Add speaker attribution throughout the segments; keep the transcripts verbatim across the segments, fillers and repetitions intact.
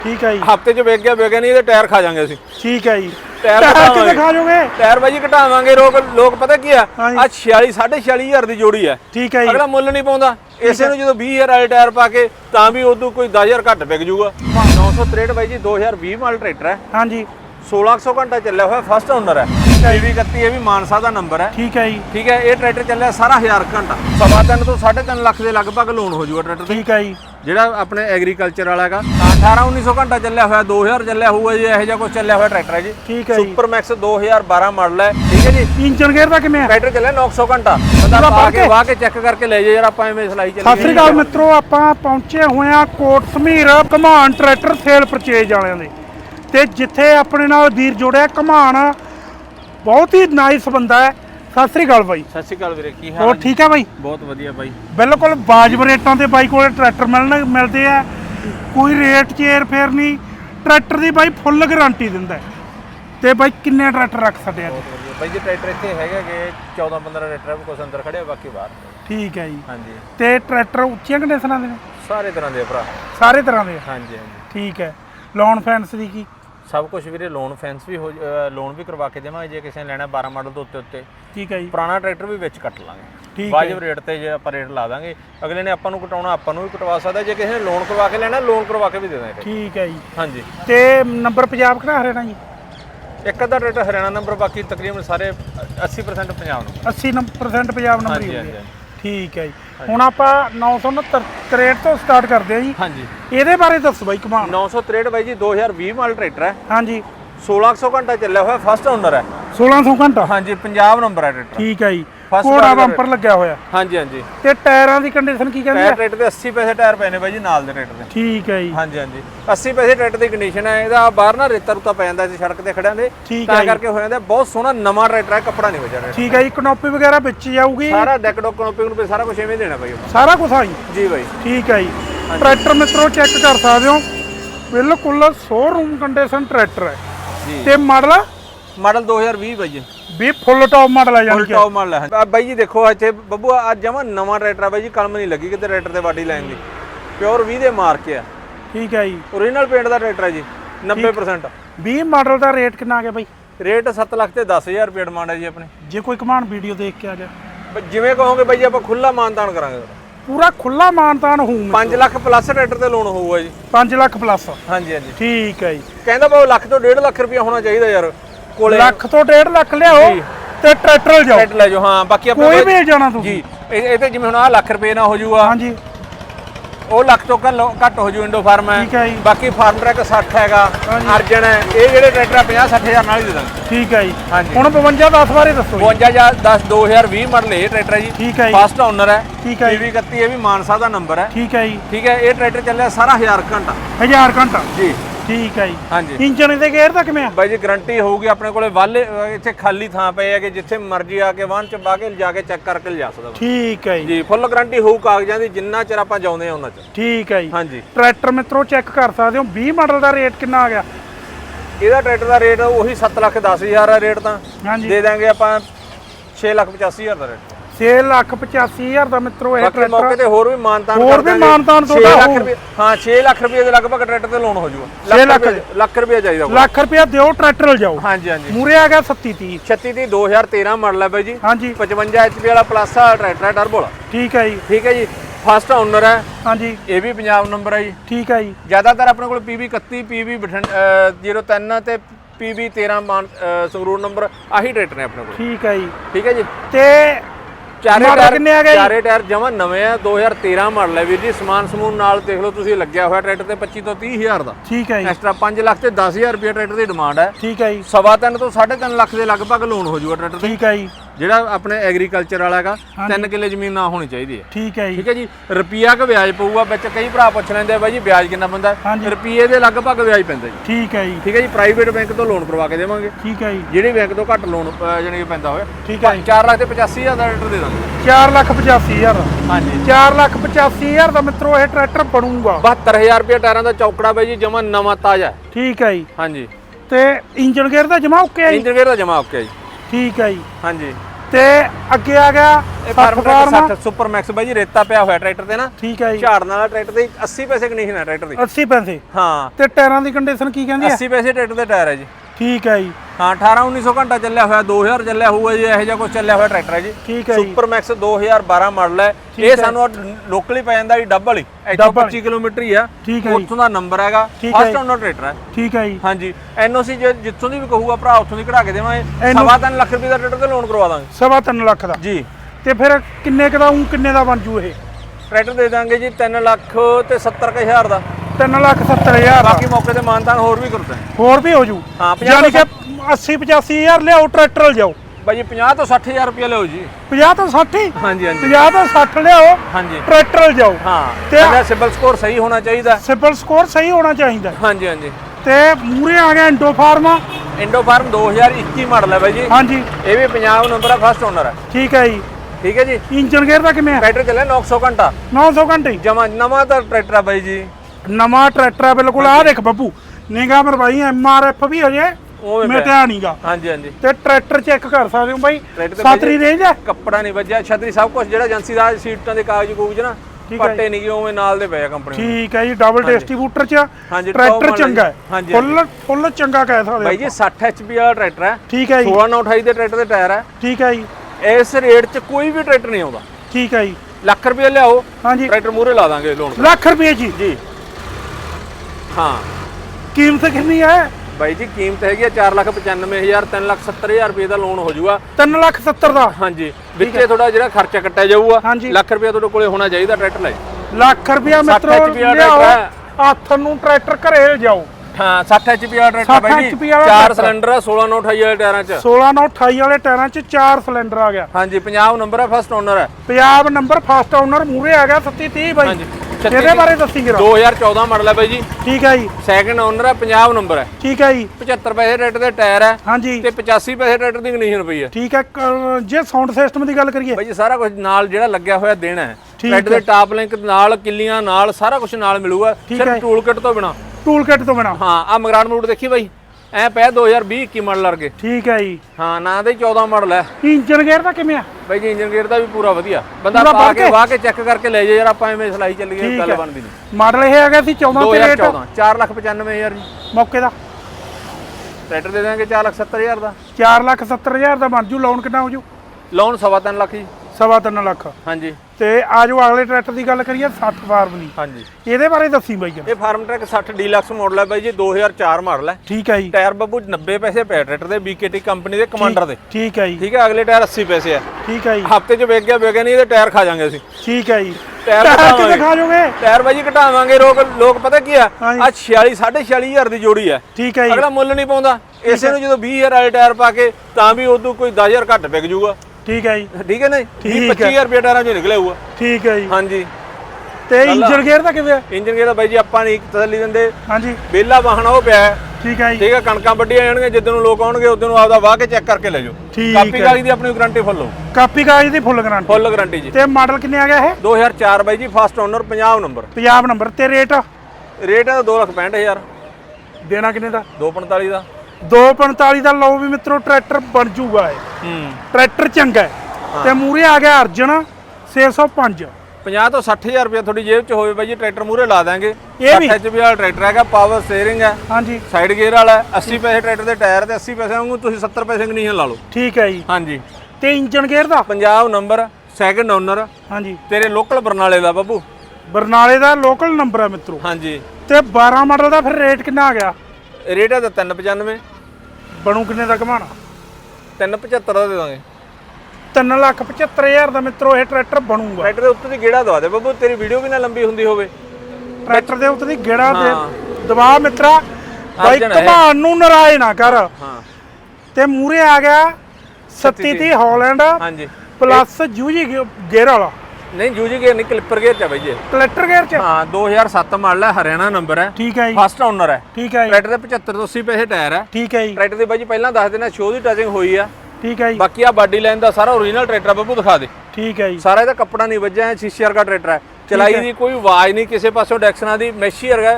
Speaker 1: ਠੀਕ ਹੈ ਜੀ।
Speaker 2: ਹਫਤੇ 'ਚ ਵੇਚ ਗਿਆ ਵੇਚ ਗਿਆ ਨਹੀਂ ਇਹਦੇ ਟਾਇਰ ਖਾ ਜਾਾਂਗੇ ਅਸੀਂ।
Speaker 1: ਠੀਕ ਹੈ ਜੀ।
Speaker 2: ਟਾਇਰ
Speaker 1: ਕਿੱਥੇ ਖਾ ਜਾਓਗੇ?
Speaker 2: ਟਾਇਰ ਬਾਈ ਜੀ ਘਟਾਵਾਂਗੇ। ਲੋਕ ਲੋਕ ਪਤਾ ਕੀ ਆ ਆ ਛਿਆਲੀ ਸਾਢੇ ਛਿਆਲੀ ਹਜ਼ਾਰ ਦੀ ਜੋੜੀ ਆ।
Speaker 1: ਠੀਕ ਹੈ ਜੀ।
Speaker 2: ਅਗਲਾ ਮੁੱਲ ਨਹੀਂ ਪਾਉਂਦਾ ਇਸੇ ਨੂੰ ਜਦੋਂ ਵੀਹ ਹਜ਼ਾਰ ਵਾਲੇ ਟਾਇਰ ਪਾ ਕੇ ਤਾਂ ਵੀ ਉਦੋਂ ਕੋਈ ਦਸ ਹਜ਼ਾਰ ਘੱਟ ਵਿਕ ਜੂਗਾ। ਨੌ ਸੌ ਤਰੇਹਠ ਬਾਈ ਜੀ ਦੋ ਹਜ਼ਾਰ ਵੀਹ ਮਾਡਲ ਟਰੈਕਟਰ ਹੈ।
Speaker 1: ਹਾਂਜੀ
Speaker 2: सोलह सौ घंटा ਚੱਲਿਆ ਹੋਇਆ ਫਸਟ ਓਨਰ ਹੈ। ਪੀਵੀ ਇਕੱਤੀ ਇਹ ਵੀ ਮਾਨਸਾ ਦਾ ਨੰਬਰ ਹੈ।
Speaker 1: ਠੀਕ ਹੈ ਜੀ।
Speaker 2: ਠੀਕ ਹੈ ਇਹ ਟਰੈਕਟਰ ਚੱਲਿਆ ਸਾਰਾ ਹਜ਼ਾਰ ਘੰਟਾ ਸਵਾ ਤਿੰਨ ਤੋਂ ਸਾਢੇ ਤਿੰਨ ਲੱਖ ਦੇ ਲਗਭਗ ਲੋਨ ਹੋ ਜੂਗਾ ਟਰੈਕਟਰ ਤੇ।
Speaker 1: ਠੀਕ ਹੈ ਜੀ।
Speaker 2: ਜਿਹੜਾ ਆਪਣੇ ਐਗਰੀਕਲਚਰ ਵਾਲਾ ਹੈਗਾ ਅਠਾਰਾਂ ਉੱਨੀ ਸੌ ਘੰਟਾ ਚੱਲਿਆ ਹੋਇਆ ਦੋ ਹਜ਼ਾਰ ਚੱਲਿਆ ਹੋਊਗਾ ਜੀ। ਇਹੋ ਜਿਹਾ ਕੁਝ ਚੱਲਿਆ ਹੋਇਆ ਟਰੈਕਟਰ ਹੈ ਜੀ।
Speaker 1: ਠੀਕ ਹੈ ਜੀ।
Speaker 2: ਸੁਪਰ ਮੈਕਸ ਦੋ ਹਜ਼ਾਰ ਬਾਰਾਂ ਮਾਡਲ ਹੈ। ਠੀਕ ਹੈ ਜੀ।
Speaker 1: ਇੰਜਨ ਗੇਅਰ ਦਾ ਕਿਵੇਂ ਹੈ?
Speaker 2: ਟਰੈਕਟਰ ਚੱਲਿਆ ਨੌ ਸੌ ਘੰਟਾ ਬੰਦਾ ਪਾ ਕੇ ਵਾਹ ਕੇ ਚੈੱਕ ਕਰਕੇ ਲੈ ਜਾਓ ਯਾਰ। ਆਪਾਂ ਐਵੇਂ ਸਲਾਈ ਚੱਲੀ।
Speaker 1: ਸਤਿ ਸ੍ਰੀ ਅਕਾਲ ਮਿੱਤਰੋ, ਆਪਾਂ ਪਹੁੰਚੇ ਹੋਏ ਆ ਕੋਟ ਸਮੀਰ ਘਮਾਨ ਟਰੈਕਟਰ ਸੇਲ ਪਰਚੇਜ ਵਾਲਿਆਂ ਦੇ ਤੇ ਜਿੱਥੇ ਆਪਣੇ ਨਾਲ ਵੀਰ ਜੋੜਿਆ ਘਮਾਨ ਬਹੁਤ ਹੀ ਨਾਈਸ ਬੰਦਾ ਹੈ। ਸਤਿ ਸ੍ਰੀ ਅਕਾਲ ਬਾਈ।
Speaker 2: ਸਤਿ ਸ੍ਰੀ ਅਕਾਲ ਵੀਰੇ, ਕੀ ਹਾਲ
Speaker 1: ਹੋਰ ਠੀਕ ਹੈ ਬਾਈ?
Speaker 2: ਬਹੁਤ ਵਧੀਆ ਬਾਈ।
Speaker 1: ਬਿਲਕੁਲ ਵਾਜਬ ਰੇਟਾਂ ਤੇ ਬਾਈ ਕੋਲੇ ਟਰੈਕਟਰ ਮਿਲਣ ਮਿਲਦੇ ਆ। ਕੋਈ ਰੇਟ ਚੇਰ ਫੇਰ ਨਹੀਂ। ਟਰੈਕਟਰ ਦੀ ਬਾਈ ਫੁੱਲ ਗਾਰੰਟੀ ਦਿੰਦਾ ਤੇ ਬਾਈ ਕਿੰਨੇ ਟਰੈਕਟਰ ਰੱਖ ਸਕਦੇ ਆ
Speaker 2: ਬਾਈ ਜੀ? ਟਰੈਕਟਰ ਇੱਥੇ ਹੈਗੇ ਕਿ ਚੌਦਾਂ ਪੰਦਰਾਂ ਟਰੈਕਟਰ ਕੁਝ ਅੰਦਰ ਖੜੇ ਬਾਕੀ ਬਾਹਰ।
Speaker 1: ਠੀਕ ਹੈ ਜੀ।
Speaker 2: ਹਾਂਜੀ।
Speaker 1: ਤੇ ਟਰੈਕਟਰ ਉੱਚੀਆਂ ਕੰਡੀਸ਼ਨਾਂ ਦੇ ਨੇ?
Speaker 2: ਸਾਰੇ ਤਰ੍ਹਾਂ ਦੇ ਭਰਾ,
Speaker 1: ਸਾਰੇ ਤਰ੍ਹਾਂ ਦੇ?
Speaker 2: ਹਾਂਜੀ ਹਾਂਜੀ।
Speaker 1: ਠੀਕ ਹੈ। ਲੋਨ ਫੈਂਸ ਦੀ ਕੀ
Speaker 2: ਸਭ ਕੁਝ ਵੀਰੇ ਲੋਨ ਫੈਂਸ ਵੀ ਹੋ ਲੋਨ ਵੀ ਕਰਵਾ ਕੇ ਦੇਵਾਂਗੇ ਜੇ ਕਿਸੇ ਨੇ ਲੈਣਾ ਬਾਰਾਂ ਮਾਡਲ ਤੋਂ ਉੱਤੇ ਉੱਤੇ।
Speaker 1: ਠੀਕ ਹੈ ਜੀ।
Speaker 2: ਪੁਰਾਣਾ ਟਰੈਕਟਰ ਵੀ ਵਿੱਚ ਕੱਟ ਲਾਂਗੇ।
Speaker 1: ਠੀਕ
Speaker 2: ਵਾਜਬ ਰੇਟ ਤੇ ਜੇ ਆਪਾਂ ਰੇਟ ਲਾ ਦਾਂਗੇ। ਅਗਲੇ ਨੇ ਆਪਾਂ ਨੂੰ ਕਟਾਉਣਾ ਆਪਾਂ ਨੂੰ ਵੀ ਕਟਵਾ ਸਕਦਾ। ਜੇ ਕਿਸੇ ਨੇ ਲੋਨ ਕਰਵਾ ਕੇ ਲੈਣਾ ਲੋਨ ਕਰਵਾ ਕੇ ਵੀ ਦੇ ਦਾਂਗੇ।
Speaker 1: ਠੀਕ ਹੈ ਜੀ।
Speaker 2: ਹਾਂਜੀ।
Speaker 1: ਤੇ ਨੰਬਰ ਪੰਜਾਬ ਕਿਹੜਾ ਹਰਿਆਣਾ ਜੀ?
Speaker 2: ਇੱਕ ਅੱਧਾ ਟਰੈਕਟਰ ਹਰਿਆਣਾ ਨੰਬਰ, ਬਾਕੀ ਤਕਰੀਬਨ ਸਾਰੇ ਅੱਸੀ ਪਰਸੈਂਟ ਪੰਜਾਬ ਨੂੰ।
Speaker 1: ਅੱਸੀ ਪਰਸੈਂਟ ਪੰਜਾਬ ਨੰਬਰ ਹੀ
Speaker 2: ਹਾਂਜੀ
Speaker 1: ਹੈ। ਠੀਕ ਹੈ ਜੀ। ਹੁਣ ਆਪਾਂ ਨੌ ਸੌ ਉਨੱਤਰ ਤਰੇਹਠ ਤੋਂ ਸਟਾਰਟ ਕਰਦੇ ਹਾਂ ਜੀ।
Speaker 2: ਹਾਂਜੀ।
Speaker 1: ਇਹਦੇ ਬਾਰੇ ਦੱਸੋ ਬਾਈ ਘਮਾਨ।
Speaker 2: ਨੌ ਸੌ ਤਰੇਹਠ ਬਾਈ ਜੀ ਦੋ ਹਜ਼ਾਰ ਵੀਹ ਮਾਡਲ ਟਰੈਕਟਰ ਹੈ।
Speaker 1: ਹਾਂਜੀ।
Speaker 2: सोलह सौ घंटा ਚੱਲਿਆ ਹੋਇਆ ਫਸਟ ਓਨਰ ਹੈ।
Speaker 1: सोलह सौ ਘੰਟਾ?
Speaker 2: ਹਾਂਜੀ ਪੰਜਾਬ ਨੰਬਰ ਹੈ ਟਰੈਕਟਰ।
Speaker 1: ਠੀਕ ਹੈ ਜੀ।
Speaker 2: First
Speaker 1: ਕੋੜਾ
Speaker 2: owner
Speaker 1: ਬੰਪਰ ਲੱਗਿਆ ਹੋਇਆ।
Speaker 2: ਹਾਂਜੀ ਹਾਂਜੀ।
Speaker 1: ਤੇ ਟਾਇਰਾਂ ਦੀ ਕੰਡੀਸ਼ਨ ਕੀ ਕਹਿੰਦੀ
Speaker 2: ਟਾਇਰ
Speaker 1: ਹੈ?
Speaker 2: ਟਰੈਕਟਰ ਦੇ ਅੱਸੀ ਪੈਸੇ ਟਾਇਰ ਪਏ ਨੇ ਬਾਈ ਜੀ ਨਾਲ ਦੇ ਟਰੈਕਟਰ ਦੇ।
Speaker 1: ਠੀਕ ਹੈ ਜੀ।
Speaker 2: ਹਾਂਜੀ ਹਾਂਜੀ। ਅੱਸੀ ਪੈਸੇ ਟਰੈਕਟਰ ਦੀ ਕੰਡੀਸ਼ਨ ਹੈ। ਇਹਦਾ ਬਾਹਰ ਨਾ ਰੇਤਾ ਰੂਤਾ ਪੈ ਜਾਂਦਾ ਸੀ ਸੜਕ ਤੇ ਖੜਿਆਂ ਦੇ, ਤਾਂ ਕਰਕੇ ਹੋ ਜਾਂਦਾ। ਬਹੁਤ ਸੋਹਣਾ ਨਵਾਂ ਟਰੈਕਟਰ ਹੈ, ਕੱਪੜਾ ਨਹੀਂ ਵਜਾ ਰਿਹਾ।
Speaker 1: ਠੀਕ ਹੈ ਜੀ। ਕਨੋਪੀ ਵਗੈਰਾ ਵਿੱਚ ਜਾਊਗੀ?
Speaker 2: ਸਾਰਾ ਡੈਕ ਡੋਕ ਕਨੋਪੀ ਨੂੰ ਸਾਰਾ ਕੁਝ ਐਵੇਂ ਦੇਣਾ ਬਾਈ ਆਪਾਂ।
Speaker 1: ਸਾਰਾ ਕੁਝ ਆ ਜੀ?
Speaker 2: ਜੀ ਬਾਈ।
Speaker 1: ਠੀਕ ਹੈ ਜੀ। ਟਰੈਕਟਰ ਮਿੱਤਰੋ ਚੈੱਕ ਕਰ ਸਕਦੇ ਹੋ, ਬਿਲਕੁਲ ਸ਼ੋਰੂਮ ਕੰਡੀਸ਼ਨ ਟਰੈਕਟਰ ਹੈ
Speaker 2: ਜੀ।
Speaker 1: ਤੇ ਮਾਡਲ
Speaker 2: ਮਾਡਲ ਦੋ ਹਜ਼ਾਰ ਵੀਹ ਬਾਈ ਜੀ।
Speaker 1: ਵੀ ਫੁੱਲ ਟੌਪ ਮਾਡਲ ਹੈ
Speaker 2: ਫੁੱਲ ਟੌਪ ਮਾਡਲ ਹੈ ਬਾਈ ਜੀ। ਦੇਖੋ ਇੱਥੇ ਬੱਬੂ ਅੱਜ ਜਮਾ ਨਵਾਂ ਟਰੈਕਟਰ ਆ ਬਾਈ ਜੀ। ਕਲਮ ਨਹੀਂ ਲੱਗੀ ਕਿਤੇ ਟਰੈਕਟਰ ਤੇ ਵਾਢੀ ਲੈਣ ਦੀ। ਪਿਓਰ ਵੀਹ ਦੇ ਮਾਰਕ ਆ।
Speaker 1: ਠੀਕ ਹੈ ਜੀ।
Speaker 2: ਓਰੀਜਨਲ ਪੇਂਟ ਦਾ ਟਰੈਕਟਰ ਹੈ ਜੀ ਨੱਬੇ ਪਰਸੈਂਟ।
Speaker 1: ਵੀਹ ਮਾਡਲ ਦਾ ਰੇਟ ਕਿੰਨਾ ਆ ਗਿਆ ਬਾਈ?
Speaker 2: ਰੇਟ ਸੱਤ ਲੱਖ ਤੇ ਦਸ ਹਜ਼ਾਰ ਰੁਪਏ ਡਿਮਾਂਡ ਹੈ ਜੀ ਆਪਣੇ।
Speaker 1: ਜੇ ਕੋਈ ਘਮਾਨ ਵੀਡੀਓ ਦੇਖ ਕੇ ਆ ਗਿਆ?
Speaker 2: ਜਿਵੇਂ ਕਹੋਗੇ ਬਾਈ ਜੀ ਆਪਾਂ ਖੁੱਲਾ ਮਾਨਤਾਨ ਕਰਾਂਗੇ।
Speaker 1: ਪੂਰਾ ਖੁੱਲਾ ਮਾਨਤਾਨ ਹੋਊ?
Speaker 2: ਪੰਜ ਲੱਖ ਪਲੱਸ ਟਰੈਕਟਰ ਤੇ ਲੋਨ ਹੋਊਗਾ ਜੀ।
Speaker 1: ਪੰਜ ਲੱਖ ਪਲੱਸ?
Speaker 2: ਹਾਂਜੀ ਹਾਂਜੀ।
Speaker 1: ਠੀਕ ਹੈ ਜੀ।
Speaker 2: ਕਹਿੰਦਾ ਬਾਬੂ ਲੱਖ ਤੋਂ ਡੇਢ ਲੱਖ ਰੁਪਇਆ ਹੋਣਾ ਚਾਹੀਦਾ ਯਾਰ ਕੋਲੇ।
Speaker 1: ਲੱਖ ਤੋਂ ਡੇਢ ਲੱਖ ਲਿਆਓ ਤੇ ਟਰੈਕਟਰ ਜਾਓ।
Speaker 2: ਟਰੈਕਟਰ ਲੈ ਜਾਓ। ਹਾਂ ਬਾਕੀ ਆਪਾਂ
Speaker 1: ਕੋਈ ਵੀ ਜਾਣਾ ਤੁਸੀਂ
Speaker 2: ਜੀ। ਇਹ ਤੇ ਜਿਵੇਂ ਹੁਣ ਆ ਲੱਖ ਰੁਪਏ ਨਾ ਹੋ ਜਾਊਗਾ।
Speaker 1: ਹਾਂਜੀ।
Speaker 2: ਉਹ ਲੱਖ ਤੋਂ ਘੱਟ ਹੋ ਜੂ ਇੰਡੋ ਫਾਰਮ ਹੈ।
Speaker 1: ਠੀਕ ਹੈ ਜੀ।
Speaker 2: ਬਾਕੀ ਫਾਰਮ ਟਰੈਕ ਸੱਠ ਹੈਗਾ, ਅਰਜਨ ਹੈ। ਇਹ ਜਿਹੜੇ ਟਰੈਕਟਰ ਆ ਪੰਜਾਹ ਸੱਠ ਹਜ਼ਾਰ ਨਾਲ ਹੀ ਦੇ ਦਾਂਗੇ।
Speaker 1: ਠੀਕ ਹੈ ਜੀ।
Speaker 2: ਹਾਂਜੀ।
Speaker 1: ਹੁਣ ਬਵੰਜਾ ਦਸ ਬਾਰੇ ਦੱਸੋ ਜੀ।
Speaker 2: ਬਵੰਜਾ ਜਾਂ ਦਸ ਦੋ ਹਜ਼ਾਰ ਵੀਹ ਮਾਡਲ ਇਹ ਟਰੈਕਟਰ ਹੈ ਜੀ।
Speaker 1: ਠੀਕ ਹੈ ਜੀ।
Speaker 2: ਫਸਟ ਓਨਰ ਹੈ।
Speaker 1: ਠੀਕ ਹੈ ਜੀ।
Speaker 2: ਪੀਵੀ ਇਕੱਤੀ ਇਹ ਵੀ ਮਾਨਸਾ ਦਾ ਨੰਬਰ ਹੈ।
Speaker 1: ਠੀਕ ਹੈ ਜੀ।
Speaker 2: ਠੀਕ ਹੈ। ਇਹ ਟਰੈਕਟਰ ਚੱਲਿਆ ਸਾਰਾ ਹਜ਼ਾਰ ਘੰਟਾ।
Speaker 1: ਹਜ਼ਾਰ ਘੰਟਾ?
Speaker 2: ਜੀ।
Speaker 1: ਠੀਕ ਹੈ ਜੀ।
Speaker 2: ਹਾਂਜੀ।
Speaker 1: ਇੰਜਨ ਦੇ ਗੇਅਰ ਦਾ ਕਿਵੇਂ ਆ
Speaker 2: ਬਾਈ ਜੀ? ਗਾਰੰਟੀ ਹੋਊਗੀ ਆਪਣੇ ਕੋਲੇ। ਵਾਲੇ ਇੱਥੇ ਖਾਲੀ ਥਾਂ ਪਏ ਆ ਕਿ ਜਿੱਥੇ ਮਰਜ਼ੀ ਆ ਕੇ ਵਾਹਨ ਚ ਬਾ ਕੇ ਜਾ ਕੇ ਚੈੱਕ ਕਰਕੇ ਲਿਜਾ ਸਕਦਾ।
Speaker 1: ਠੀਕ ਹੈ ਜੀ।
Speaker 2: ਜੀ ਫੁੱਲ ਗਾਰੰਟੀ ਹੋਊ ਕਾਗਜ਼ਾਂ ਦੀ ਜਿੰਨਾ ਚਿਰ ਆਪਾਂ ਜਾਉਂਦੇ ਆ ਉਹਨਾਂ ਚ।
Speaker 1: ਠੀਕ ਹੈ ਜੀ।
Speaker 2: ਹਾਂਜੀ।
Speaker 1: ਟਰੈਕਟਰ ਮਿੱਤਰੋ ਚੈੱਕ ਕਰ ਸਕਦੇ ਹੋ। ਵੀਹ ਮਾਡਲ ਦਾ ਰੇਟ ਕਿੰਨਾ ਆ ਗਿਆ?
Speaker 2: ਇਹਦਾ ਟਰੈਕਟਰ ਦਾ ਰੇਟ ਉਹੀ ਸੱਤ ਲੱਖ ਦਸ ਹਜ਼ਾਰ ਆ ਰੇਟ ਤਾਂ।
Speaker 1: ਹਾਂਜੀ।
Speaker 2: ਦੇ ਦਾਂਗੇ ਆਪਾਂ ਛੇ ਲੱਖ ਪਚਾਸੀ ਹਜ਼ਾਰ ਦਾ ਰੇਟ।
Speaker 1: ਛੇ ਲੱਖ ਪਚਾਸੀ ਹਜ਼ਾਰ ਦਾ ਮਿੱਤਰੋ ਇਹ
Speaker 2: ਬਾਕੀ ਮੌਕੇ ਤੇ ਹੋਰ ਵੀ ਮਾਨਤਾਨ
Speaker 1: ਹੋਰ ਵੀ ਮਾਨਤਾਨ ਤੁਹਾਡਾ
Speaker 2: ਲੱਖ ਰੁਪਏ। ਹਾਂ ਛੇ ਲੱਖ ਰੁਪਏ ਦੇ ਲਗਭਗ ਟਰੈਕਟਰ ਤੇ ਲੋਨ ਹੋ ਜਾਊਗਾ।
Speaker 1: ਛੇ ਲੱਖ
Speaker 2: ਲੱਖ ਰੁਪਏ ਚਾਹੀਦਾ।
Speaker 1: ਲੱਖ ਰੁਪਏ ਦਿਓ ਟਰੈਕਟਰ ਜਾਓ।
Speaker 2: ਹਾਂਜੀ ਹਾਂਜੀ।
Speaker 1: ਮੂਰੇ ਆ ਗਿਆ ਛੱਤੀ ਤੀਹ
Speaker 2: ਛੱਤੀ ਦੀ ਦੋ ਹਜ਼ਾਰ ਤੇਰਾਂ ਮਾਡਲ ਹੈ ਬਾਈ ਜੀ।
Speaker 1: ਹਾਂਜੀ।
Speaker 2: ਪਚਵੰਜਾ ਐਚ ਪੀ ਵਾਲਾ ਪਲੱਸ ਆ ਟਰੈਕਟਰ ਹੈ ਟਰਬੋ ਵਾਲਾ।
Speaker 1: ਠੀਕ ਹੈ ਜੀ।
Speaker 2: ਠੀਕ ਹੈ ਜੀ। ਫਸਟ ਓਨਰ ਹੈ।
Speaker 1: ਹਾਂਜੀ।
Speaker 2: ਇਹ ਵੀ ਪੰਜਾਬ ਨੰਬਰ ਹੈ ਜੀ।
Speaker 1: ਠੀਕ ਹੈ ਜੀ।
Speaker 2: ਜ਼ਿਆਦਾਤਰ ਆਪਣੇ ਕੋਲ ਪੀਵੀ ਇਕੱਤੀ ਪੀਵੀ ਜ਼ੀਰੋ ਤਿੰਨ ਤੇ ਪੀਵੀ ਤੇਰਾਂ ਸੰਗਰੂਰ ਨੰਬਰ ਆਹੀ ਟਰੈਕਟਰ ਨੇ ਆਪਣੇ ਕੋਲ।
Speaker 1: ਠੀਕ ਹੈ ਜੀ।
Speaker 2: ਠੀਕ ਹੈ ਜੀ।
Speaker 1: ਤੇ
Speaker 2: ਚਾਰੇ
Speaker 1: ਟਾਇਰ ਕਿੰਨੇ ਆ ਗਏ?
Speaker 2: ਚਾਰੇ ਟਾਇਰ ਜਮਾ ਨਵੇਂ ਆ। ਦੋ ਹਜ਼ਾਰ ਤੇਰਾਂ ਮਾਡਲ ਹੈ ਵੀਰ ਜੀ। ਸਮਾਨ ਸਮੂਨ ਨਾਲ ਦੇਖ ਲਓ ਤੁਸੀਂ ਲੱਗਿਆ ਹੋਇਆ ਟਰੈਕਟਰ ਤੇ ਪੱਚੀ ਤੋਂ ਤੀਹ ਹਜ਼ਾਰ ਦਾ।
Speaker 1: ਠੀਕ ਹੈ ਜੀ।
Speaker 2: ਐਕਸਟਰਾ ਪੰਜ ਲੱਖ ਤੇ ਦਸ ਹਜ਼ਾਰ ਰੁਪਏ ਟਰੈਕਟਰ ਦੀ ਡਿਮਾਂਡ ਹੈ।
Speaker 1: ਠੀਕ ਹੈ ਜੀ।
Speaker 2: ਸਵਾ ਤਿੰਨ ਤੋਂ ਸਾਢੇ ਤਿੰਨ ਲੱਖ ਦੇ ਲਗਭਗ ਲੋਨ ਹੋ ਜਾਊਗਾ ਟਰੈਕਟਰ ਤੇ।
Speaker 1: ਠੀਕ ਹੈ ਜੀ।
Speaker 2: ਜਿਹੜਾ ਆਪਣੇ ਐਗਰੀਕਲਚਰ ਵਾਲਾ ਹੈਗਾ ਤਿੰਨ ਕਿੱਲੇ ਜ਼ਮੀਨ ਨਾ ਹੋਣੀ ਚਾਹੀਦੀ ਹੈ।
Speaker 1: ਠੀਕ ਹੈ ਜੀ।
Speaker 2: ਠੀਕ ਹੈ ਜੀ। ਰੁਪਈਆ ਕ ਵਿਆਜ ਪਊਗਾ ਵਿੱਚ। ਕਈ ਭਰਾ ਪੁੱਛ ਲੈਂਦੇ ਆ ਬਾਈ ਜੀ ਵਿਆਜ ਕਿੰਨਾ ਪੈਂਦਾ? ਰੁਪਈਏ ਦੇ ਲਗਭਗ ਵਿਆਜ ਪੈਂਦਾ ਜੀ।
Speaker 1: ਠੀਕ ਹੈ ਜੀ।
Speaker 2: ਠੀਕ ਹੈ ਜੀ। ਪ੍ਰਾਈਵੇਟ ਬੈਂਕ ਤੋਂ ਲੋਨ ਕਰਵਾ ਕੇ ਦੇਵਾਂਗੇ।
Speaker 1: ਠੀਕ ਹੈ ਜੀ।
Speaker 2: ਜਿਹੜੀ ਬੈਂਕ ਤੋਂ ਘੱਟ ਲੋਨ ਜਾਨੀ ਪੈਂਦਾ ਹੋਇਆ।
Speaker 1: ਠੀਕ ਹੈ।
Speaker 2: ਚਾਰ ਲੱਖ ਤੇ ਪਚਾਸੀ ਹਜ਼ਾਰ ਦਾ ਟਰੈਕਟਰ ਦੇ ਦਾਂਗੇ।
Speaker 1: ਚਾਰ ਲੱਖ ਪਚਾਸੀ ਹਜ਼ਾਰ?
Speaker 2: ਹਾਂਜੀ।
Speaker 1: ਚਾਰ ਲੱਖ ਪਚਾਸੀ ਹਜ਼ਾਰ ਦਾ ਮਿੱਤਰੋ ਇਹ ਟਰੈਕਟਰ ਬਣੂਗਾ।
Speaker 2: ਬਹੱਤਰ ਹਜ਼ਾਰ ਰੁਪਏ ਟਾਇਰਾਂ ਦਾ ਚੌਕੜਾ ਬਾਈ ਜੀ ਜਮਾ ਨਵਾਂ ਤਾਜ਼ਾ।
Speaker 1: ਠੀਕ ਹੈ ਜੀ।
Speaker 2: ਹਾਂਜੀ।
Speaker 1: ਤੇ ਇੰਜਨ ਗੇਅਰ ਦਾ ਜਮਾ ਓਕੇ ਹੈ ਜੀ?
Speaker 2: ਇੰਜਨ ਗੇਅਰ ਦਾ ਜਮਾ ਓਕੇ ਜੀ।
Speaker 1: ਠੀਕ ਹੈ ਜੀ।
Speaker 2: ਹਾਂਜੀ।
Speaker 1: ਤੇ ਅੱਗੇ ਆ ਗਿਆ
Speaker 2: ਇਹ ਫਾਰਮ ਟਰੈਕ ਸੱਠ ਸੁਪਰ ਮੈਕਸ ਬਾਈ ਜੀ, ਰੇਤਾ ਪਿਆ ਹੋਇਆ ਟਰੈਕਟਰ ਤੇ ਨਾ।
Speaker 1: ਠੀਕ ਹੈ ਜੀ।
Speaker 2: ਝਾੜਨ ਵਾਲਾ ਟਰੈਕਟਰ ਤੇ ਅੱਸੀ ਪੈਸੇ ਕੰਡੀਸ਼ਨ ਹੈ ਟਰੈਕਟਰ ਦੀ।
Speaker 1: ਅੱਸੀ ਪੈਸੇ
Speaker 2: ਹਾਂ।
Speaker 1: ਤੇ ਟਾਇਰਾਂ ਦੀ ਕੰਡੀਸ਼ਨ ਕੀ ਕਹਿੰਦੀ ਹੈ?
Speaker 2: ਅੱਸੀ ਪੈਸੇ ਟਰੈਕਟਰ ਦੇ ਟਾਇਰ ਹੈ ਜੀ।
Speaker 1: ਠੀਕ ਹੈ ਜੀ।
Speaker 2: ਹਾਂ ਅਠਾਰਾਂ ਉੱਨੀ ਸੌ ਘੰਟਾ ਚੱਲਿਆ ਹੋਇਆ, ਦੋ ਹਜ਼ਾਰ ਚੱਲਿਆ ਹੋਊਗਾ ਜੀ, ਇਹੋ ਜਿਹਾ ਕੁਝ ਚੱਲਿਆ ਹੋਇਆ ਟਰੈਕਟਰ ਹੈ ਜੀ।
Speaker 1: ਠੀਕ ਹੈ ਜੀ।
Speaker 2: ਸੁਪਰ ਮੈਕਸ ਦੋ ਹਜ਼ਾਰ ਬਾਰਾਂ ਮਾਡਲ ਹੈ। ਇਹ ਸਾਨੂੰ ਲੋਕਲੀ ਪੈ ਜਾਂਦਾ ਜੀ ਡਬਲ ਹੀ, ਇੱਥੋਂ ਪੱਚੀ ਕਿਲੋਮੀਟਰ ਹੀ ਆ।
Speaker 1: ਠੀਕ ਹੈ।
Speaker 2: ਉੱਥੋਂ ਦਾ ਨੰਬਰ ਹੈਗਾ, ਫਸਟ ਓਨਰ ਟਰੈਕਟਰ ਹੈ।
Speaker 1: ਠੀਕ ਹੈ ਜੀ।
Speaker 2: ਹਾਂਜੀ ਐਨਓਸੀ ਜਿੱਥੋਂ ਦੀ ਵੀ ਕਹੂਗਾ ਭਰਾ ਉੱਥੋਂ ਦੀ ਕਢਾ ਕੇ ਦੇਵਾਂਗੇ। ਸਵਾ ਤਿੰਨ ਲੱਖ ਰੁਪਏ ਦਾ ਟਰੈਕਟਰ ਤੇ ਲੋਨ ਕਰਵਾ ਦਾਂਗੇ।
Speaker 1: ਸਵਾ ਤਿੰਨ ਲੱਖ ਦਾ
Speaker 2: ਜੀ।
Speaker 1: ਤੇ ਫਿਰ ਕਿੰਨੇ ਕ ਦਾ ਉਹ ਕਿੰਨੇ ਦਾ ਬਣ ਜੂ ਇਹ
Speaker 2: ਟਰੈਕਟਰ? ਦੇ ਦਾਂਗੇ ਜੀ ਤਿੰਨ ਲੱਖ ਤੇ ਸੱਤਰ ਹਜ਼ਾਰ ਦਾ।
Speaker 1: ਤਿੰਨ ਲੱਖ ਸੱਤਰ ਹਜ਼ਾਰ।
Speaker 2: ਬਾਕੀ ਮੌਕੇ ਤੇ ਮਾਨਤਾਨ ਹੋਰ ਵੀ ਕਰਦਾ,
Speaker 1: ਹੋਰ ਵੀ ਹੋ ਜੂ।
Speaker 2: ਹਾਂ
Speaker 1: ਯਾਨੀ ਕਿ ਅੱਸੀ ਪਚਾਸੀ ਹਜ਼ਾਰ ਲਿਆਓ ਟਰੈਕਟਰ ਲਿਆਓ
Speaker 2: ਬਾਈ ਜੀ। ਪੰਜਾਹ ਤੋਂ ਸੱਠ ਹਜ਼ਾਰ ਰੁਪਏ ਲਿਓ ਜੀ।
Speaker 1: ਪੰਜਾਹ ਤੋਂ ਸੱਠ ਹੀ?
Speaker 2: ਹਾਂਜੀ ਹਾਂਜੀ।
Speaker 1: ਪੰਜਾਹ ਤੋਂ ਸੱਠ ਲਿਆਓ
Speaker 2: ਹਾਂਜੀ
Speaker 1: ਟਰੈਕਟਰ ਲਿਆਓ।
Speaker 2: ਹਾਂ
Speaker 1: ਤੇ
Speaker 2: ਤੇ ਸਿਬਲ ਸਕੋਰ ਸਹੀ ਹੋਣਾ ਚਾਹੀਦਾ।
Speaker 1: ਸਿਬਲ ਸਕੋਰ ਸਹੀ ਹੋਣਾ ਚਾਹੀਦਾ।
Speaker 2: ਹਾਂਜੀ ਹਾਂਜੀ।
Speaker 1: ਤੇ ਮੂਰੇ ਆ ਗਿਆ ਇੰਡੋ ਫਾਰਮ।
Speaker 2: ਇੰਡੋ ਫਾਰਮ ਦੋ ਹਜ਼ਾਰ ਇੱਕੀ ਮਾਡਲ ਹੈ ਬਾਈ ਜੀ।
Speaker 1: ਹਾਂਜੀ।
Speaker 2: ਇਹ ਵੀ ਪੰਜਾਬ ਨੰਬਰ ਹੈ, ਫਸਟ ਓਨਰ ਹੈ।
Speaker 1: ਠੀਕ ਹੈ ਜੀ।
Speaker 2: ਠੀਕ ਹੈ ਜੀ।
Speaker 1: ਇੰਜਨ ਗੇਅਰ ਦਾ ਕਿਵੇਂ ਹੈ?
Speaker 2: ਟਰੈਕਟਰ ਚੱਲਿਆ ਨੌ ਸੌ ਘੰਟਾ।
Speaker 1: ਨੌ ਸੌ ਘੰਟੇ
Speaker 2: ਜਮਾ ਨਵਾਂ ਤਾਂ ਟਰੈਕਟਰ ਆ ਬਾਈ ਜੀ।
Speaker 1: ਨਵਾਂ ਟਰੈਕਟਰ ਆ ਬਿਲਕੁਲ। ਆ ਦੇਖ ਬੱਬੂ ਨਿਗਾ ਪਰ ਬਾਈ ਐਮ ਆਰ ਐਫ ਵੀ ਹਜੇ
Speaker 2: ਉਵੇਂ
Speaker 1: ਮਿਟਿਆ ਨਹੀਂਗਾ।
Speaker 2: ਹਾਂਜੀ ਹਾਂਜੀ।
Speaker 1: ਤੇ ਟਰੈਕਟਰ ਚੈੱਕ ਕਰ ਸਕਦੇ ਹੋ ਬਾਈ, ਸਾਤਰੀ ਰੇਂਜ ਹੈ,
Speaker 2: ਕੱਪੜਾ ਨਹੀਂ ਵੱਜਿਆ, ਛਤਰੀ ਸਭ ਕੁਝ ਜਿਹੜਾ ਏਜੰਸੀ ਦਾ ਸੀਟਾਂ ਦੇ ਕਾਗਜ਼ ਕੂਗਜ਼ ਨਾ ਪੱਟੇ ਨਹੀਂ ਗਏ, ਉਵੇਂ ਨਾਲ ਦੇ ਪਏ ਆ ਕੰਪਨੀ।
Speaker 1: ਠੀਕ ਹੈ ਜੀ। ਡਬਲ ਡਿਸਟ੍ਰੀਬਿਊਟਰ ਚ
Speaker 2: ਹਾਂਜੀ।
Speaker 1: ਟਰੈਕਟਰ ਚੰਗਾ ਹੈ, ਫੁੱਲ ਫੁੱਲ ਚੰਗਾ ਕਹਿ ਸਕਦੇ
Speaker 2: ਬਾਈ ਜੀ। ਸੱਠ ਐਚਪੀ ਵਾਲਾ ਟਰੈਕਟਰ ਹੈ।
Speaker 1: ਠੀਕ ਹੈ ਜੀ।
Speaker 2: ਸੋਲਾਂ ਨੌ ਅਠਾਈ ਦੇ ਟਰੈਕਟਰ ਦੇ ਟਾਇਰ ਹੈ।
Speaker 1: ਠੀਕ ਹੈ ਜੀ।
Speaker 2: ਇਸ ਰੇਟ 'ਚ ਕੋਈ ਵੀ ਟਰੈਕਟਰ ਨਹੀਂ ਆਉਂਦਾ।
Speaker 1: ਠੀਕ ਹੈ ਜੀ।
Speaker 2: ਲੱਖ ਰੁਪਏ ਲਿਆਓ,
Speaker 1: ਹਾਂਜੀ
Speaker 2: ਟਰੈਕਟਰ ਮੂਹਰੇ ਲਾ ਦਾਂਗੇ ਲੋਨ।
Speaker 1: ਲੱਖ ਰੁਪਏ ਜੀ?
Speaker 2: ਜੀ ਹਾਂ।
Speaker 1: ਕੀਮਤ ਕਿੰਨੀ ਹੈ
Speaker 2: ਬਾਈ ਜੀ? ਕੀਮਤ ਹੈਗੀ ਆ ਚਾਰ ਲੱਖ ਪਚਾਨਵੇਂ ਹਜ਼ਾਰ, ਤਿੰਨ ਲੱਖ ਸੱਤਰ ਹਜ਼ਾਰ ਰੁਪਏ ਦਾ ਲੋਨ ਹੋ ਜਾਊਗਾ।
Speaker 1: ਤਿੰਨ ਲੱਖ ਸੱਤਰ ਦਾ?
Speaker 2: ਹਾਂਜੀ। ਵਿੱਚੇ ਥੋੜਾ ਜਿਹੜਾ ਖਰਚਾ ਕੱਟਿਆ ਜਾਊਗਾ।
Speaker 1: ਹਾਂਜੀ।
Speaker 2: ਲੱਖ ਰੁਪਏ ਤੁਹਾਡੇ ਕੋਲੇ ਹੋਣਾ ਚਾਹੀਦਾ ਟਰੈਕਟਰ ਲਈ।
Speaker 1: ਲੱਖ ਰੁਪਿਆ ਮਿੱਤਰੋ ਲਿਆਓ, ਹੱਥ ਨੂੰ ਟਰੈਕਟਰ ਘਰੇ ਜਾਓ।
Speaker 2: ਹਾਂ ਸੱਠ ਐਚਪੀ ਵਾਲਾ ਟਰੈਕਟਰ ਬਾਈ ਜੀ। ਚਾਰ ਸਿਲੰਡਰ ਆ, ਸੋਲਾਂ ਨੌ ਅਠਾਈ ਵਾਲੇ ਟਾਇਰਾਂ 'ਚ।
Speaker 1: ਸੋਲਾਂ ਨੌ ਅਠਾਈ ਵਾਲੇ ਟਾਇਰਾਂ 'ਚ ਚਾਰ ਸਿਲੰਡਰ ਆ ਗਿਆ।
Speaker 2: ਹਾਂਜੀ। ਪੰਜਾਬ ਨੰਬਰ ਹੈ, ਫਸਟ ਓਨਰ ਹੈ।
Speaker 1: ਪੰਜਾਬ ਨੰਬਰ ਫਸਟ ਓਨਰ ਮੂਰੇ ਆ ਗਿਆ। ਸੱਤੀ ਤੀਹ ਬਾਈ।
Speaker 2: ਹਾਂਜੀ।
Speaker 1: ਇਹਦੇ ਬਾਰੇ ਦੱਸੀ ਜਰਾ।
Speaker 2: ਦੋ ਹਜ਼ਾਰ ਚੌਦਾਂ ਮਾਡਲ ਹੈ ਬਾਈ ਜੀ।
Speaker 1: ਠੀਕ ਹੈ ਜੀ।
Speaker 2: ਸੈਕਿੰਡ ਓਨਰ ਹੈ, ਪੰਜਾਬ ਨੰਬਰ ਹੈ।
Speaker 1: ਠੀਕ ਹੈ ਜੀ।
Speaker 2: ਪਚੱਤਰ ਪੈਸੇ ਟਰੈਕਟਰ ਦੇ ਟਾਇਰ ਹੈ।
Speaker 1: ਹਾਂਜੀ।
Speaker 2: ਤੇ ਪਚਾਸੀ ਪੈਸੇ ਟਰੈਕਟਰ ਦੀ ਕੰਡੀਸ਼ਨ ਪਈ ਹੈ।
Speaker 1: ਠੀਕ ਹੈ। ਜੇ ਸਾਊਂਡ ਸਿਸਟਮ ਦੀ ਗੱਲ ਕਰੀਏ
Speaker 2: ਬਾਈ ਜੀ, ਸਾਰਾ ਕੁਝ ਨਾਲ ਜਿਹੜਾ ਲੱਗਿਆ ਹੋਇਆ ਦੇਣਾ ਹੈ। ਟਰੈਕਟਰ ਦੇ ਟਾਪ ਲਿੰਕ ਨਾਲ, ਕਿੱਲੀਆਂ ਨਾਲ, ਸਾਰਾ ਕੁਝ ਨਾਲ ਮਿਲੂਗਾ, ਸਿਰਫ ਟੂਲ ਕਿੱਟ ਤੋਂ ਬਿਨਾ।
Speaker 1: ਟੂਲ ਕਿੱਟ ਤੋਂ ਬਿਨਾ?
Speaker 2: ਹਾਂ। ਆ ਮਗਰਾਟ ਮੋਡ ਦੇਖੀ ਬਾਈ, ਐ ਪਿਆ ਦੋ ਹਜ਼ਾਰ ਵੀਹ ਇੱਕੀ ਮਾਡਲ ਵਰਗੇ।
Speaker 1: ਠੀਕ ਹੈ ਜੀ।
Speaker 2: ਹਾਂ ਨਾ ਦੇ ਚੌਦਾਂ ਮਾਡਲ ਹੈ।
Speaker 1: ਇੰਜਨ ਗੇਅਰ ਦਾ ਕਿਵੇਂ ਆ
Speaker 2: ਬਾਈ ਜੀ? ਇੰਜਨ ਗੇਅਰ ਦਾ ਵੀ ਪੂਰਾ ਵਧੀਆ, ਬੰਦਾ ਪਾ ਕੇ ਵਾਹ ਕੇ ਚੈੱਕ ਕਰਕੇ ਲੈ ਜਾ ਯਾਰ। ਆਪਾਂ ਐਵੇਂ ਸਲਾਈ ਚੱਲ ਗਈ, ਗੱਲ ਬਣਦੀ ਨਹੀਂ।
Speaker 1: ਮਾਡਲ ਇਹ ਹੈਗਾ ਸੀ ਚੌਦਾਂ ਤੇ ਰੇਟ
Speaker 2: ਚਾਰ ਲੱਖ ਪਚਾਨਵੇਂ ਹਜ਼ਾਰ ਜੀ
Speaker 1: ਮੌਕੇ ਦਾ।
Speaker 2: ਟਰੈਕਟਰ ਦੇ ਦਾਂਗੇ ਚਾਰ ਲੱਖ ਸੱਤਰ ਹਜ਼ਾਰ ਦਾ।
Speaker 1: ਚਾਰ ਲੱਖ ਸੱਤਰ ਹਜ਼ਾਰ ਦਾ ਬਣ ਜੂ। ਲੋਨ ਕਿੰਨਾ ਹੋ ਜੂ?
Speaker 2: ਲੋਨ ਸਵਾ ਤਿੰਨ ਲੱਖ ਜੀ।
Speaker 1: ਸਵਾ ਤਿੰਨ ਲੱਖ।
Speaker 2: ਹਾਂਜੀ।
Speaker 1: ਤੇ ਆ ਜੋ ਅਗਲੇ ਟਰੈਕਟਰ ਦੀ ਗੱਲ ਕਰੀਏ ਸੱਠ ਫਾਰਮ ਦੀ।
Speaker 2: ਹਾਂਜੀ।
Speaker 1: ਇਹਦੇ ਬਾਰੇ ਦੱਸੀ ਬਾਈ ਜੀ।
Speaker 2: ਇਹ ਫਾਰਮ ਟਰੈਕ ਸੱਠ ਡੀਲਕਸ ਮਾਡਲ ਹੈ ਬਾਈ ਜੀ, ਦੋ ਹਜ਼ਾਰ ਚਾਰ ਮਾਡਲ ਹੈ।
Speaker 1: ਠੀਕ ਹੈ ਜੀ।
Speaker 2: ਟਾਇਰ ਬੱਬੂ ਨੱਬੇ ਪੈਸੇ ਪਏ ਟਰੈਕਟਰ ਦੇ, ਬੀਕੇਟੀ ਕੰਪਨੀ ਦੇ ਕਮਾਂਡਰ ਦੇ।
Speaker 1: ਠੀਕ ਹੈ ਜੀ।
Speaker 2: ਠੀਕ ਹੈ। ਅਗਲੇ ਟਾਇਰ ਅੱਸੀ ਪੈਸੇ ਆ।
Speaker 1: ਠੀਕ ਹੈ ਜੀ।
Speaker 2: ਹਫਤੇ 'ਚ ਵੇਚ ਗਿਆ ਵੇਚ ਗਿਆ ਨਹੀਂ, ਇਹਦੇ ਟਾਇਰ ਖਾ ਜਾਾਂਗੇ ਅਸੀਂ।
Speaker 1: ਠੀਕ ਹੈ ਜੀ।
Speaker 2: ਟਾਇਰ
Speaker 1: ਕਿੱਥੇ ਖਾ ਜਾਓਗੇ?
Speaker 2: ਟਾਇਰ ਬਾਈ ਜੀ ਘਟਾਵਾਂਗੇ। ਲੋਕ ਲੋਕ ਪਤਾ ਕੀ ਆ, ਆ ਛਿਆਲੀ ਸਾਢੇ ਛਿਆਲੀ ਹਜ਼ਾਰ ਦੀ ਜੋੜੀ ਹੈ।
Speaker 1: ਠੀਕ ਹੈ ਜੀ।
Speaker 2: ਅਗਲਾ ਮੁੱਲ ਨਹੀਂ ਪਾਉਂਦਾ। ਇਸੇ ਨੂੰ ਜਦੋਂ ਵੀਹ ਹਜ਼ਾਰ ਵਾਲੇ ਟਾਇਰ ਪਾ ਕੇ ਤਾਂ ਵੀ ਉਦੋਂ ਕੋਈ ਦਸ ਹਜ਼ਾਰ ਘੱਟ ਵਿਕ ਜੂਗਾ।
Speaker 1: ਠੀਕ ਹੈ ਜੀ।
Speaker 2: ਠੀਕ ਹੈ ਨਾ? ਵੀਹ ਪੱਚੀ ਹਜ਼ਾਰ ਰੁਪਏ ਟਾਇਰਾਂ 'ਚੋਂ ਨਿਕਲਿਆ ਹੋਊਗਾ।
Speaker 1: ਠੀਕ ਹੈ ਜੀ।
Speaker 2: ਹਾਂਜੀ।
Speaker 1: ਤੇ ਇੰਜਨ ਗੇਅਰ ਦਾ ਕਿਵੇਂ ਆ?
Speaker 2: ਇੰਜਨ ਗੇਅਰ ਦਾ ਬਾਈ ਜੀ ਆਪਾਂ ਨਹੀਂ ਤਸੱਲੀ ਦਿੰਦੇ।
Speaker 1: ਹਾਂਜੀ।
Speaker 2: ਬੇਲਾ ਵਾਹਣਾ ਉਹ ਪਿਆ ਹੈ।
Speaker 1: ਠੀਕ ਹੈ ਜੀ।
Speaker 2: ਠੀਕ ਹੈ। ਕਣਕਾਂ ਵੱਢੀਆਂ ਜਾਣਗੀਆਂ, ਜਿੱਦਣ ਨੂੰ ਲੋਕ ਆਉਣਗੇ ਉਦੋਂ ਨੂੰ ਆਪਦਾ ਵਾਹ ਕੇ ਚੈੱਕ ਕਰਕੇ ਲੈ ਜਾਓ। ਕਾਪੀ ਕਾਗਜ਼ ਦੀ ਆਪਣੀ ਗਾਰੰਟੀ ਫੁੱਲ ਲਓ।
Speaker 1: ਕਾਪੀ ਕਾਗਜ਼ ਦੀ ਫੁੱਲ ਗਾਰੰਟੀ?
Speaker 2: ਫੁੱਲ ਗਾਰੰਟੀ ਜੀ।
Speaker 1: ਤੇ ਮਾਡਲ ਕਿੰਨੇ ਆ ਗਿਆ ਇਹ?
Speaker 2: ਦੋ ਹਜ਼ਾਰ ਚਾਰ ਬਾਈ ਜੀ, first owner, Punjab number.
Speaker 1: Punjab number. ਤੇ ਰੇਟ?
Speaker 2: ਰੇਟ ਹੈ ਦੋ ਲੱਖ ਪੈਂਹਠ ਹਜ਼ਾਰ।
Speaker 1: ਦੇਣਾ ਕਿੰਨੇ ਦਾ?
Speaker 2: ਦੋ ਪੰਤਾਲੀ ਦਾ।
Speaker 1: ਦੋ ਪੰਤਾਲੀ ਦਾ ਲਓ ਵੀ ਮਿੱਤਰੋ, ਟਰੈਕਟਰ ਬਣ ਜੂਗਾ ਇਹ।
Speaker 2: ਹੂੰ।
Speaker 1: ਟਰੈਕਟਰ ਚੰਗਾ ਹੈ। ਤੇ ਮੂਰੇ ਆ ਗਿਆ ਅਰਜਨ ਛੇ ਸੌ ਪੰਜ।
Speaker 2: ਪੰਜਾਹ ਤੋਂ ਸੱਠ ਹਜ਼ਾਰ ਰੁਪਏ ਤੁਹਾਡੀ ਜੇਬ 'ਚ ਹੋਵੇ ਬਾਈ ਜੀ, ਟਰੈਕਟਰ ਮੂਹਰੇ ਲਾ ਦਾਂਗੇ।
Speaker 1: ਇਹ ਵੀ
Speaker 2: ਸੱਠ ਐਚਪੀ ਵਾਲਾ ਟਰੈਕਟਰ ਹੈਗਾ, ਪਾਵਰ ਸਟੀਅਰਿੰਗ ਹੈ।
Speaker 1: ਹਾਂਜੀ।
Speaker 2: ਸਾਈਡ ਗੇਅਰ ਵਾਲਾ ਹੈ। ਅੱਸੀ ਪੈਸੇ ਟਰੈਕਟਰ ਦੇ ਟਾਇਰ ਤੇ ਅੱਸੀ ਪੈਸੇ ਵਾਂਗੂ ਤੁਸੀਂ ਸੱਤਰ ਪੈਸੇ ਕੰਡੀਸ਼ਨ ਲਾ ਲਓ।
Speaker 1: ਠੀਕ ਹੈ ਜੀ।
Speaker 2: ਹਾਂਜੀ।
Speaker 1: ਤੇ ਇੰਜਨ ਗੇਅਰ ਦਾ?
Speaker 2: Punjab number, second owner.
Speaker 1: ਹਾਂਜੀ।
Speaker 2: ਤੇਰੇ ਲੋਕਲ ਬਰਨਾਲੇ ਦਾ ਬੱਬੂ।
Speaker 1: ਬਰਨਾਲੇ ਦਾ ਲੋਕਲ ਨੰਬਰ ਹੈ ਮਿੱਤਰੋ।
Speaker 2: ਹਾਂਜੀ।
Speaker 1: ਤੇ ਬਾਰਾਂ ਮਾਡਲ ਦਾ ਫਿਰ ਰੇਟ ਕਿੰਨਾ ਆ ਗਿਆ?
Speaker 2: ਰੇਟ ਹੈ ਤਾਂ ਤਿੰਨ ਪਚਾਨਵੇਂ।
Speaker 1: ਬਣੂ ਕਿੰਨੇ ਦਾ ਘਮਾਣਾ?
Speaker 2: ਤਿੰਨ ਪਝੱਤਰ ਦਾ ਦੇ ਦਾਂਗੇ।
Speaker 1: ਤਿੰਨ ਲੱਖ ਪਝੱਤਰ ਹਜ਼ਾਰ ਦਾ ਮਿੱਤਰੋ ਇਹ ਟਰੈਕਟਰ ਬਣੂਗਾ।
Speaker 2: ਟਰੈਕਟਰ ਦੇ ਉੱਤੇ ਦੀ ਗੇੜਾ ਦਵਾ ਦੇ ਬੱਬੂ, ਤੇਰੀ ਵੀਡੀਓ ਵੀ ਨਾ ਲੰਬੀ ਹੁੰਦੀ ਹੋਵੇ।
Speaker 1: ਟਰੈਕਟਰ ਦੇ ਉੱਤੇ ਦੀ ਗੇੜਾ ਦੇ ਦਵਾ ਮਿੱਤਰਾ, ਬਾਈ ਘਮਾਣ ਨੂੰ ਨਾਰਾਜ਼ ਨਾ ਕਰ।
Speaker 2: ਹਾਂ।
Speaker 1: ਤੇ ਮੂਰੇ ਆ ਗਿਆ ਸੱਤੀ ਤੀਹ ਹਾਲੈਂਡ।
Speaker 2: ਹਾਂਜੀ।
Speaker 1: ਪਲੱਸ ਯੂਜੀ ਗੇਅਰ ਵਾਲਾ।
Speaker 2: ਨਹੀਂ ਯੂਜੀ ਗੇਅਰ ਨਹੀਂ, ਕਲਿੱਪਰ ਗੇਅਰ 'ਚ ਹੈ ਬਾਈ ਜੀ।
Speaker 1: ਕਲੈਕਟਰ ਗੇਅਰ 'ਚ?
Speaker 2: ਹਾਂ। ਦੋ ਹਜ਼ਾਰ ਸੱਤ ਮਾਡਲ ਹੈ, ਹਰਿਆਣਾ ਨੰਬਰ ਹੈ।
Speaker 1: ਠੀਕ ਹੈ ਜੀ।
Speaker 2: ਫਸਟ ਓਨਰ ਹੈ।
Speaker 1: ਠੀਕ ਹੈ ਜੀ।
Speaker 2: ਟਰੈਕਟਰ ਦੇ ਪਝੱਤਰ ਤੋਂ ਅੱਸੀ ਪੈਸੇ ਟਾਇਰ ਹੈ।
Speaker 1: ਠੀਕ ਹੈ ਜੀ।
Speaker 2: ਟਰੈਕਟਰ ਦੇ ਬਾਈ ਜੀ ਪਹਿਲਾਂ ਦੱਸ ਦੇਣਾ, ਸ਼ੋਅ ਦੀ ਟਚਿੰਗ ਹੋਈ ਆ।
Speaker 1: ਠੀਕ ਹੈ ਜੀ।
Speaker 2: ਬਾਕੀ ਆ ਬਾਡੀ ਲਾਈਨ ਦਾ ਸਾਰਾ ਓਰੀਜਨਲ ਟਰੈਕਟਰ ਆ ਬੱਬੂ, ਦਿਖਾ ਦੇ।
Speaker 1: ਠੀਕ ਹੈ ਜੀ।
Speaker 2: ਸਾਰਾ ਇਹਦਾ ਕੱਪੜਾ ਨਹੀਂ ਵੱਜਿਆ ਹੈ, ਸ਼ੀਸ਼ੇ ਵਰਗਾ ਟਰੈਕਟਰ ਹੈ। ਚਲਾਈ ਦੀ ਕੋਈ ਆਵਾਜ਼ ਨਹੀਂ ਕਿਸੇ ਪਾਸੋਂ, ਡੈਕਸਨਾਂ ਦੀ ਮੈਸ਼ੀ ਵਰਗਾ।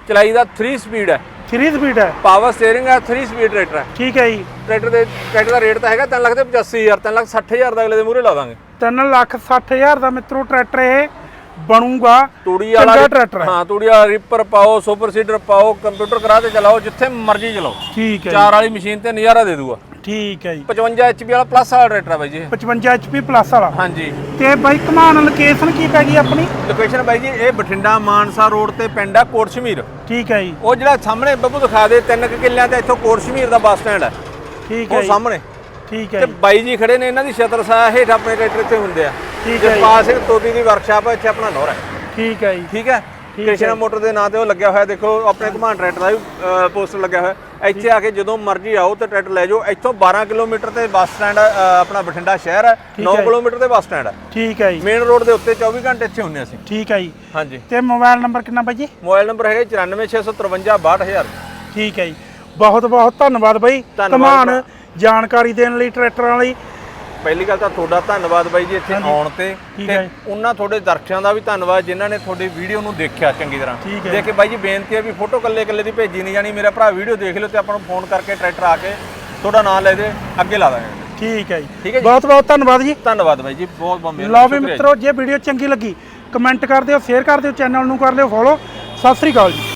Speaker 2: ਚਲਾਈ ਦਾ ਥ੍ਰੀ ਸਪੀਡ ਹੈ,
Speaker 1: ਥ੍ਰੀ ਸਪੀਡ ਹੈ,
Speaker 2: ਪਾਵਰ ਸਟੀਅਰਿੰਗ ਹੈ, ਥ੍ਰੀ ਸਪੀਡ ਟਰੈਕਟਰ ਹੈ।
Speaker 1: ਠੀਕ ਹੈ ਜੀ।
Speaker 2: ਟਰੈਕਟਰ ਦੇ ਟਰੈਕਟਰ ਦਾ ਰੇਟ ਤਾਂ ਹੈਗਾ ਤਿੰਨ ਲੱਖ ਤੇ ਪਚਾਸੀ ਹਜ਼ਾਰ, ਤਿੰਨ ਲੱਖ ਸੱਠ ਹਜ਼ਾਰ ਦਾ ਅਗਲੇ ਦੇ ਮੂਹਰੇ ਲਾ ਦਾਂਗੇ।
Speaker 1: ਤਿੰਨ ਲੱਖ ਸੱਠ ਹਜ਼ਾਰ ਦਾ ਮਿੱਤਰੋ ਟਰੈਕਟਰ ਇਹ ਬਣੂਗਾ।
Speaker 2: ਤੂੜੀ ਵਾਲਾ
Speaker 1: ਟਰੈਕਟਰ ਹੈ।
Speaker 2: ਹਾਂ, ਤੂੜੀ ਵਾਲਾ ਰੀਪਰ ਪਾਓ, ਸੁਪਰ ਸੀਡਰ ਪਾਓ, ਕੰਪਿਊਟਰ ਕਰਾ ਕੇ ਚਲਾਓ, ਜਿੱਥੇ ਮਰਜ਼ੀ ਚਲਾਓ।
Speaker 1: ਠੀਕ ਹੈ
Speaker 2: ਚਾਰ ਵਾਲੀ ਮਸ਼ੀਨ ਤੇ ਨਜ਼ਾਰਾ ਦੇ ਦੂਗਾ।
Speaker 1: ਠੀਕ ਹੈ ਜੀ।
Speaker 2: ਪਚਵੰਜਾ ਐਚ ਪੀ ਵਾਲਾ ਪਲੱਸ ਵਾਲਾ ਟਰੈਕਟਰ ਹੈ ਬਾਈ ਜੀ।
Speaker 1: ਪਚਵੰਜਾ ਐਚ ਪੀ ਪਲੱਸ ਵਾਲਾ।
Speaker 2: ਹਾਂਜੀ।
Speaker 1: ਤੇ ਬਾਈ ਘਮਾਣ ਲੋਕੇਸ਼ਨ ਕੀ ਪੈ ਗਈ ਆਪਣੀ?
Speaker 2: ਲੋਕੇਸ਼ਨ ਬਾਈ ਜੀ ਇਹ ਬਠਿੰਡਾ ਮਾਨਸਾ ਰੋਡ ਤੇ ਪਿੰਡ ਆ ਕੋਟ ਸ਼ਮੀਰ।
Speaker 1: ਠੀਕ ਹੈ ਜੀ।
Speaker 2: ਉਹ ਜਿਹੜਾ ਸਾਹਮਣੇ ਬੱਬੂ ਦਿਖਾ ਦੇ ਤਿੰਨ ਕੁ ਕਿੱਲਿਆਂ ਤੇ ਇੱਥੋਂ ਕੋਟ ਸ਼ਮੀਰ ਦਾ ਬੱਸ ਸਟੈਂਡ ਹੈ।
Speaker 1: ਠੀਕ ਹੈ
Speaker 2: ਉਹ
Speaker 1: ਜੀ।
Speaker 2: ਸਾਹਮਣੇ।
Speaker 1: ਠੀਕ ਹੈ
Speaker 2: ਤੇ
Speaker 1: ਜੀ।
Speaker 2: ਬਾਈ ਜੀ ਖੜੇ ਨੇ, ਇਹਨਾਂ ਦੀ ਛਤਰ ਸਾਹ ਹੇਠ ਆਪਣੇ ਟਰੈਕਟਰ ਇੱਥੇ ਹੁੰਦੇ ਆ।
Speaker 1: ਠੀਕ ਹੈ ਜੀ।
Speaker 2: ਜਸਪਾਲ ਸਿੰਘ ਤੋਦੀ ਦੀ ਵਰਕਸ਼ਾਪ ਹੈ, ਇੱਥੇ ਆਪਣਾ ਨੌਰ ਹੈ।
Speaker 1: ਠੀਕ ਹੈ ਜੀ।
Speaker 2: ਠੀਕ ਹੈ। ਕ੍ਰਿਸ਼ਨਾ ਮੋਟਰ ਦੇ ਨਾਂ ਤੇ ਉਹ ਲੱਗਿਆ ਹੋਇਆ, ਦੇਖੋ ਆਪਣੇ ਘਮਾਣ ਟਰੈਕਟਰ ਦਾ ਵੀ ਪੋਸਟਰ ਲੱਗਿਆ ਹੋਇਆ। ਇੱਥੇ ਆ ਕੇ ਜਦੋਂ ਮਰਜ਼ੀ ਆਓ ਤੇ ਟਰੈਕਟਰ ਲੈ ਜਾਓ। ਇੱਥੋਂ ਬਾਰਾਂ ਕਿਲੋਮੀਟਰ ਤੇ ਬੱਸ ਸਟੈਂਡ ਆਪਣਾ ਬਠਿੰਡਾ ਸ਼ਹਿਰ ਹੈ, ਨੌ ਕਿਲੋਮੀਟਰ ਤੇ ਬੱਸ ਸਟੈਂਡ ਹੈ।
Speaker 1: ਠੀਕ ਹੈ ਜੀ।
Speaker 2: ਮੇਨ ਰੋਡ ਦੇ ਉੱਤੇ ਚੌਵੀ ਘੰਟੇ ਇੱਥੇ ਹੁੰਦੇ ਅਸੀਂ।
Speaker 1: ਠੀਕ ਹੈ ਜੀ।
Speaker 2: ਹਾਂਜੀ।
Speaker 1: ਤੇ ਮੋਬਾਈਲ ਨੰਬਰ ਕਿੰਨਾ ਬਾਈ ਜੀ?
Speaker 2: ਮੋਬਾਈਲ ਨੰਬਰ ਹੈਗਾ ਚੁਰਾਨਵੇਂ ਛੇ ਸੌ ਤਰਵੰਜਾ ਬਾਹਠ ਹਜ਼ਾਰ।
Speaker 1: ਠੀਕ ਹੈ ਜੀ। ਬਹੁਤ ਬਹੁਤ ਧੰਨਵਾਦ ਬਾਈ ਘਮਾਣ ਜਾਣਕਾਰੀ ਦੇਣ ਲਈ ਟਰੈਕਟਰਾਂ ਲਈ।
Speaker 2: ਪਹਿਲੀ ਗੱਲ ਤਾਂ ਤੁਹਾਡਾ ਧੰਨਵਾਦ ਬਾਈ ਜੀ ਇੱਥੇ ਆਉਣ ਤੇ, ਤੇ ਉਹਨਾਂ ਤੁਹਾਡੇ ਦਰਸ਼ਕਾਂ ਦਾ ਵੀ ਧੰਨਵਾਦ ਜਿਨ੍ਹਾਂ ਨੇ ਤੁਹਾਡੀ ਵੀਡੀਓ ਨੂੰ ਦੇਖਿਆ ਚੰਗੀ ਤਰ੍ਹਾਂ। ਦੇਖ ਕੇ ਬਾਈ ਜੀ ਬੇਨਤੀ ਹੈ ਵੀ ਫੋਟੋ ਕੱਲੇ ਕੱਲੇ ਦੀ ਭੇਜੀ ਨਹੀਂ ਜਾਣੀ। ਮੇਰਾ ਭਰਾ ਵੀਡੀਓ ਦੇਖ ਲਿਓ ਤੇ ਆਪਾਂ ਨੂੰ ਫੋਨ ਕਰਕੇ ਟਰੈਕਟਰ ਆ ਕੇ ਤੁਹਾਡਾ ਨਾਮ ਲੈ ਦੇ, ਅੱਗੇ ਲਾ ਦਾਂਗੇ।
Speaker 1: ਠੀਕ ਹੈ ਜੀ।
Speaker 2: ਠੀਕ ਹੈ ਜੀ।
Speaker 1: ਬਹੁਤ ਬਹੁਤ ਧੰਨਵਾਦ ਜੀ।
Speaker 2: ਧੰਨਵਾਦ ਬਾਈ ਜੀ, ਬਹੁਤ ਬਹੁਤ ਮਿਹਰਬਾਨੀ।
Speaker 1: ਲਓ ਵੀ ਮਿੱਤਰੋ, ਜੇ ਵੀਡੀਓ ਚੰਗੀ ਲੱਗੀ ਕਮੈਂਟ ਕਰ ਦਿਓ, ਸ਼ੇਅਰ ਕਰ ਦਿਓ, ਚੈਨਲ ਨੂੰ ਕਰ ਲਿਓ ਫੋਲੋ। ਸਤਿ ਸ੍ਰੀ ਅਕਾਲ ਜੀ।